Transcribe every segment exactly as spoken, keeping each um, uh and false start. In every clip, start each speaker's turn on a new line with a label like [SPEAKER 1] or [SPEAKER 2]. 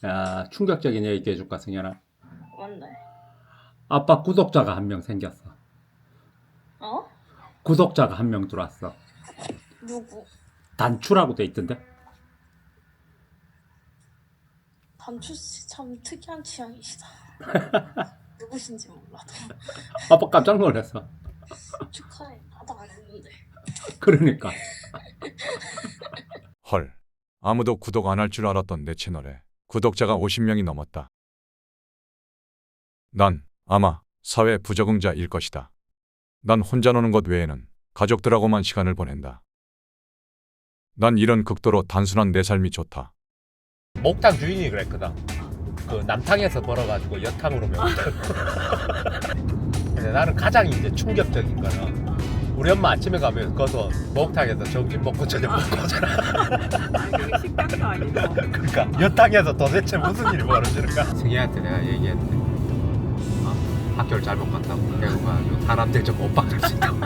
[SPEAKER 1] 야, 충격적인 얘기 해줄까, 승현아?
[SPEAKER 2] 뭔데?
[SPEAKER 1] 아빠 구독자가 한 명 생겼어.
[SPEAKER 2] 어?
[SPEAKER 1] 구독자가 한 명 들어왔어.
[SPEAKER 2] 누구?
[SPEAKER 1] 단추라고 돼 있던데?
[SPEAKER 2] 단추씨 참 특이한 취향이시다. 누구신지 몰라도
[SPEAKER 1] 아빠 깜짝 놀랐어.
[SPEAKER 2] 축하해. 나도 안 했는데.
[SPEAKER 1] 그러니까.
[SPEAKER 3] 헐, 아무도 구독 안 할 줄 알았던 내 채널에 구독자가 오십 명이 넘었다. 난 아마 사회 부적응자일 것이다. 난 혼자 노는 것 외에는 가족들하고만 시간을 보낸다. 난 이런 극도로 단순한 내 삶이 좋다.
[SPEAKER 1] 목탕 주인이 그랬거든. 그 남탕에서 벌어가지고 여탕으로 매운탕. 근데 나는 가장 이제 충격적인 거는 우리 엄마 아침에 가면 거기서 목탕에서 점심 먹고 저녁 먹고 하잖아.
[SPEAKER 4] 아, 그게 식당도 아니고.
[SPEAKER 1] 그러니까 여탕에서 도대체 무슨 일이 벌어지는가? 승희한테 내가 얘기했는데 어, 학교를 잘못 갔다고 배우가 사람들 좀 못 박을 수 있다고.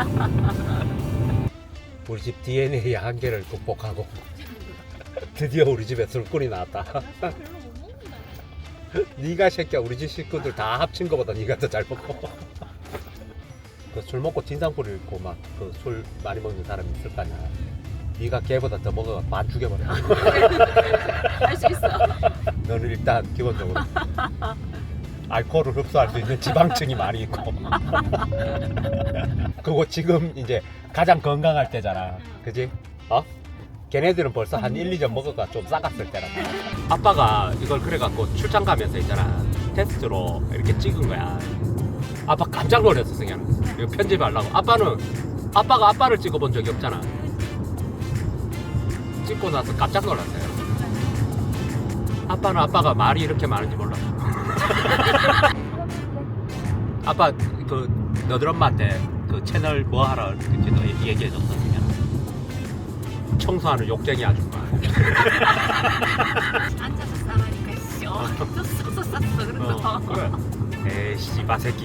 [SPEAKER 1] 우리 집 디엔에이 한계를 극복하고 드디어 우리 집에 술꾼이 나왔다.
[SPEAKER 2] 별로 못 먹는데.
[SPEAKER 1] 네가 새끼야 우리 집 식구들 다 합친 거보다 네가 더 잘 먹고. 그 술 먹고 진상포를 입고 막 그 술 많이 먹는 사람이 있을 거 아니야. 네가 걔보다 더 먹어가 반 죽여버려.
[SPEAKER 4] 할 수 있어.
[SPEAKER 1] 너는 일단 기본적으로 알코올을 흡수할 수 있는 지방층이 많이 있고. 그거 지금 이제 가장 건강할 때잖아. 그지? 어? 걔네들은 벌써 한 일, 이 점 먹어가 좀 싸갔을 때라. 아빠가 이걸 그래갖고 출장 가면서 있잖아. 테스트로 이렇게 찍은 거야. 아빠 깜짝 놀랐어, 승현. 이거 편집하려고. 아빠는, 아빠가 아빠를 찍어본 적이 없잖아. 찍고 나서 깜짝 놀랐어요. 아빠는 아빠가 말이 이렇게 많은지 몰랐어. 아빠, 그, 너들 엄마한테 그 채널 뭐 하라 이렇게 너 얘기해줬어, 승현. 청소하는 욕쟁이 아줌마.
[SPEAKER 4] 앉아서 싸라니까 씨. 어, 썼어 썼어 그래서.
[SPEAKER 1] 어, 그래. 에이 씨바 새끼.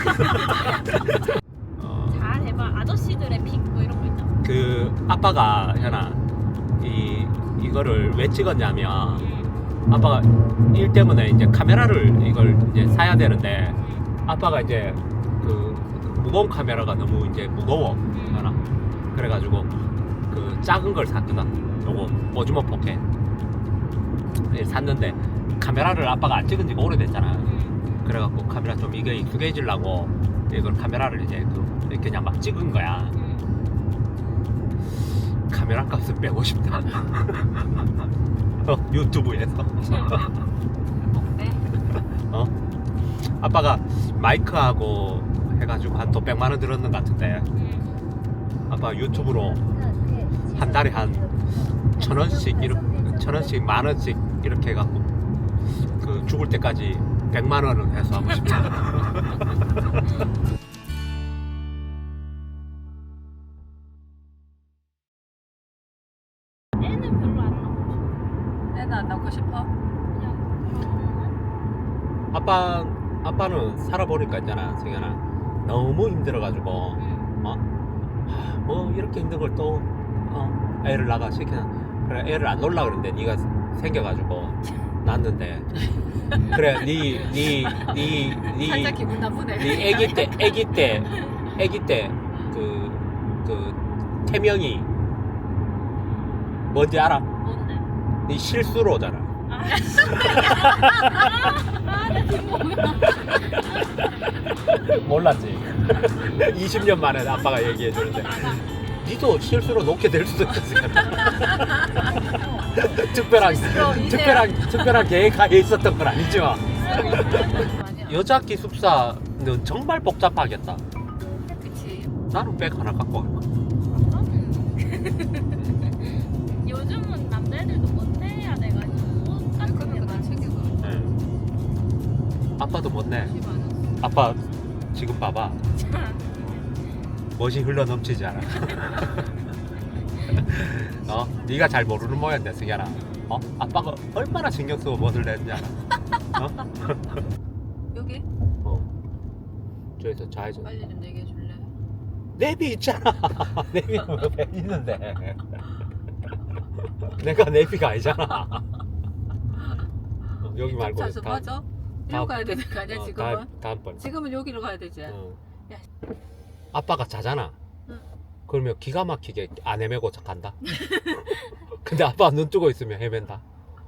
[SPEAKER 1] 어,
[SPEAKER 2] 잘 해봐. 아저씨들의 픽 뭐 이런 거 있잖아.
[SPEAKER 1] 그 아빠가 현아 이 이거를 왜 찍었냐면 아빠가 일 때문에 이제 카메라를 이걸 이제 사야 되는데 아빠가 이제 그 무거운 카메라가 너무 이제 무거워 현아. 그래가지고 그 작은 걸 샀거든. 요거 오즈모 포켓 예, 샀는데 카메라를 아빠가 안 찍은 지가 오래됐잖아. 그래갖고 카메라 좀 이게 익숙해지려고 이걸 카메라를 이제 그 그냥 막 찍은 거야. 카메라 값을 빼고 싶다. 어, 유튜브에서.
[SPEAKER 4] 네.
[SPEAKER 1] 어? 아빠가 마이크하고 해가지고 한 또 백만 원 들었는 것 같은데 아빠 유튜브로 한 달에 한 천 원씩 이렇게 천 원씩 만 원씩 이렇게 해갖고 그 죽을 때까지 백만 원은 해서 하고 싶다.
[SPEAKER 2] 애는 별로 안 나오고
[SPEAKER 4] 애는 안 낳고 싶어?
[SPEAKER 2] 그냥
[SPEAKER 1] 아빠 아빠는 살아보니까 있잖아, 승현아. 너무 힘들어가지고 어? 하, 뭐 이렇게 힘든 걸 또 어? 애를 낳아 시키나. 그래 애를 안 놓으려 그러는데 네가 생겨가지고 낳았는데 그래 네네네네
[SPEAKER 4] 살짝 기분 나쁘네.
[SPEAKER 1] 네 애기 때 애기 때 애기 때 그 그 태명이 뭔지 알아?
[SPEAKER 2] 뭔데?
[SPEAKER 1] 네 실수로잖아.
[SPEAKER 2] 아, 내 뒷목이야.
[SPEAKER 1] 몰랐지. 이십 년 만에 아빠가 얘기해 주는데 니도 실수로 놓게 될 수도 있어. 특별한 특별한 특별한 계획하에 있었던 건 아니지만 여자 기숙사는 정말 복잡하겠다.
[SPEAKER 4] 그치.
[SPEAKER 1] 나는 백 하나 갖고 가.
[SPEAKER 2] 요즘은 남자애들도 못내야 돼가지고 옷 같은 게
[SPEAKER 4] 그러면 난
[SPEAKER 2] 많아.
[SPEAKER 4] 챙겨가.
[SPEAKER 1] 네. 아빠도 못 내.
[SPEAKER 4] 집 안에.
[SPEAKER 1] 아빠 지금 봐봐. 멋이 흘러 넘치지 않아. 어? 네가 잘 모르는 모양인데 승현아. 어? 아빠가 얼마나 신경 쓰고 멋을 냈는지 알아? 어?
[SPEAKER 4] 여기?
[SPEAKER 1] 어. 저기서 좌회전.
[SPEAKER 4] 빨리 좀 얘기해 줄래?
[SPEAKER 1] 내비 있잖아. 내비 왜 있는데? 내가 내비가 아니잖아. 어, 여기 말고
[SPEAKER 4] 차서
[SPEAKER 1] 다음-
[SPEAKER 4] 맞아?
[SPEAKER 1] 다음-
[SPEAKER 4] 이리로 가야 되는 거 아니야
[SPEAKER 1] 어,
[SPEAKER 4] 지금은?
[SPEAKER 1] 다음, 다음번.
[SPEAKER 4] 지금은 여기로 가야 되지.
[SPEAKER 1] 어.
[SPEAKER 4] 야.
[SPEAKER 1] 아빠가 자잖아.
[SPEAKER 4] 응.
[SPEAKER 1] 그러면 기가 막히게 안 헤매고 간다. 근데 아빠 눈 뜨고 있으면 헤맨다.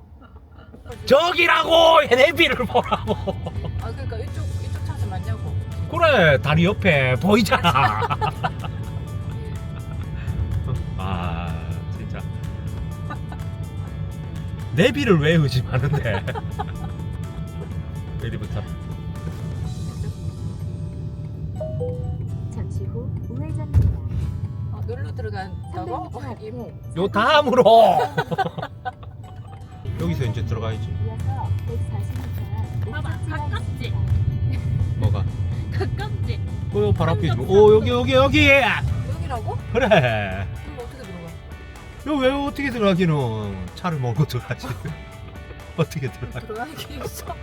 [SPEAKER 1] 저기라고 내비를 보라고.
[SPEAKER 4] 아 그러니까 이쪽 이쪽 차서 맞냐고.
[SPEAKER 1] 그래 다리 옆에 보이잖아. 아 진짜 내비를 왜 의심하는데? 내비부터.
[SPEAKER 5] 잠시 후 우회전입니다.
[SPEAKER 4] 어, 놀러 들어간다고?
[SPEAKER 5] 삼백 미터
[SPEAKER 4] 어,
[SPEAKER 5] 앞에
[SPEAKER 1] 요 다음으로 여기서 이제 들어가야지.
[SPEAKER 5] 이어서 백사십 미터
[SPEAKER 2] 봐봐, 가깝지?
[SPEAKER 1] 뭐가?
[SPEAKER 2] 가깝지?
[SPEAKER 1] 어, 발 앞에 있지. 오 여기 여기 여기.
[SPEAKER 4] 여기라고?
[SPEAKER 1] 그래.
[SPEAKER 4] 이거 어떻게 들어가?
[SPEAKER 1] 여기 왜 어떻게 들어가기는 차를 몰고 들어가지. 어떻게 들어가?
[SPEAKER 4] 들어가는 게 있어?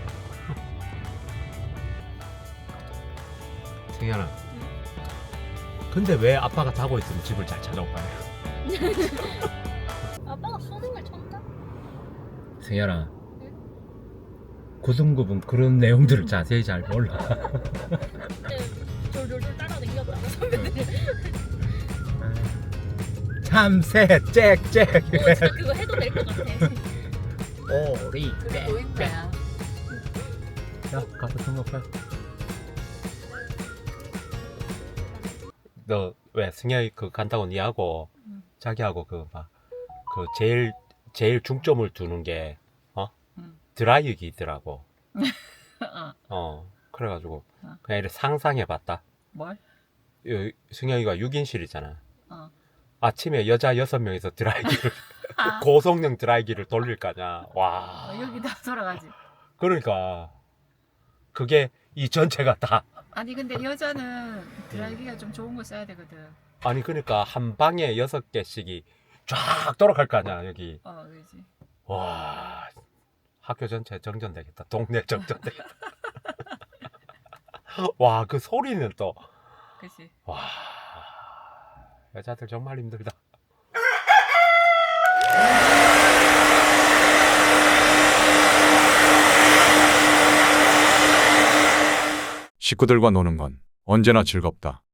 [SPEAKER 1] 승현아. 근데 왜 아빠가 자고 있으면 집을 잘 찾아올까요?
[SPEAKER 2] 아빠가 수능을 쳤나?
[SPEAKER 1] 승현아. 구승구분 그런 내용들을 자세히 잘 몰라.
[SPEAKER 2] 네, 졸졸졸 따라다녔잖아 선배들이.
[SPEAKER 1] 참새 짹짹.
[SPEAKER 2] 오 진짜 그거 해도 될 것 같아.
[SPEAKER 1] 오리
[SPEAKER 4] 그래 보인다야.
[SPEAKER 1] 야 가서 등록해. 너 왜 승현이 그 간다고 니하고
[SPEAKER 4] 응.
[SPEAKER 1] 자기하고 그 막 그 제일 제일 중점을 두는 게 어?
[SPEAKER 4] 응.
[SPEAKER 1] 드라이기더라고.
[SPEAKER 4] 어.
[SPEAKER 1] 어 그래가지고
[SPEAKER 4] 어.
[SPEAKER 1] 그냥 이렇게 상상해봤다.
[SPEAKER 4] 뭘?
[SPEAKER 1] 요- 승현이가 육 인실이잖아.
[SPEAKER 4] 어.
[SPEAKER 1] 아침에 여자 여섯 명이서 드라이기를
[SPEAKER 4] 아,
[SPEAKER 1] 고성능 드라이기를 돌릴 거냐. 와.
[SPEAKER 4] 어, 여기 다 돌아가지.
[SPEAKER 1] 그러니까 그게 이 전체가 다
[SPEAKER 4] 아니 근데 여자는 드라이기가 좀 좋은 거 써야 되거든.
[SPEAKER 1] 아니 그러니까 한 방에 여섯 개씩이 쫙 돌아갈 거 아니야 여기.
[SPEAKER 4] 어 그렇지.
[SPEAKER 1] 와 학교 전체 정전되겠다. 동네 정전되겠다. 와 그 소리는 또
[SPEAKER 4] 그렇지.
[SPEAKER 1] 와 여자들 정말 힘들다.
[SPEAKER 3] 식구들과 노는 건 언제나 즐겁다.